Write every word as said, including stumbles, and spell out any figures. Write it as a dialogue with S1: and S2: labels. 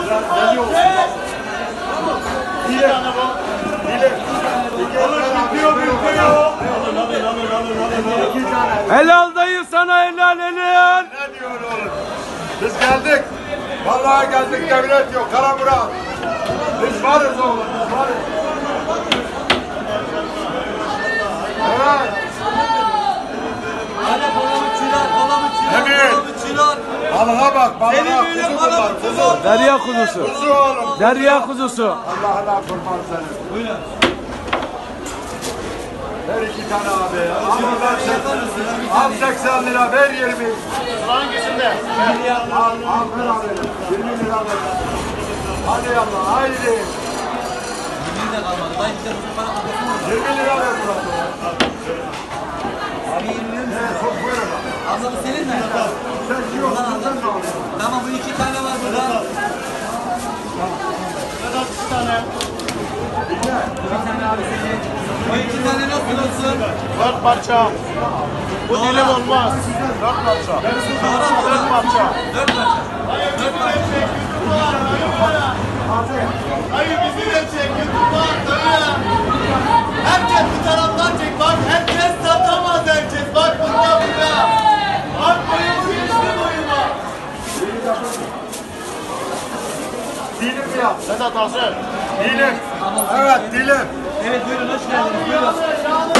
S1: Deli olsun. Dile. Dile. Alın bitiyor bitiyor. Alın alın alın alın alın. İki tane.
S2: Helal dayı sana helal helal.
S1: Ne diyor oğlum? Biz geldik. Vallahi geldik, devlet yok. Kara Murat. Biz varız oğlum. Biz varız. Evet.
S3: Hadi palamutçular, palamutçular,
S1: Evet.
S3: palamutçular.
S1: Balığa bak, balığa.
S3: Senin böyle
S1: Kuzu bunlar,
S3: palamutçu
S1: kuzu.
S3: var.
S2: Derya kuzusu.
S1: Kuzu oğlum.
S2: Derya kuzusu.
S1: Allah'ına kurban seni.
S3: Buyurun.
S1: Ver iki tane abi. Al ver seksen. Al seksen lira, ver yirmi.
S4: Hangisinde?
S1: Al, al ver abi. yirmi lira ver. Hadi Allah, haydi.
S3: Yemin de kalmadı. Dayı bir de bu para kapatın mı?
S1: yirmi lira ver Murat.
S3: Abi yirmi lira mı?
S1: Evet, çok buyurun.
S3: Abla bu senin mi?
S1: Sen yok, sen mi alıyorsun?
S3: Tamam bu iki tane var burada.
S4: Vedat iki tane.
S3: Bir tane abi senin. O iki tane nasıl olsun?
S4: Dört parça. Bu dilim olmaz. Dört parça. Dört parça.
S3: Dört parça. Dört parça.
S4: Hayır bizi de çek. YouTube'a at. Herkes bu taraftan çek. Bak herkes satamaz herkes. Bak burada burada. Bak boyumu geçti boyuma.
S1: Dilim yap.
S4: Vedat hazır.
S1: Dilim. Evet, dilim.
S3: Evet buyurun hoş geldiniz. Buyurun.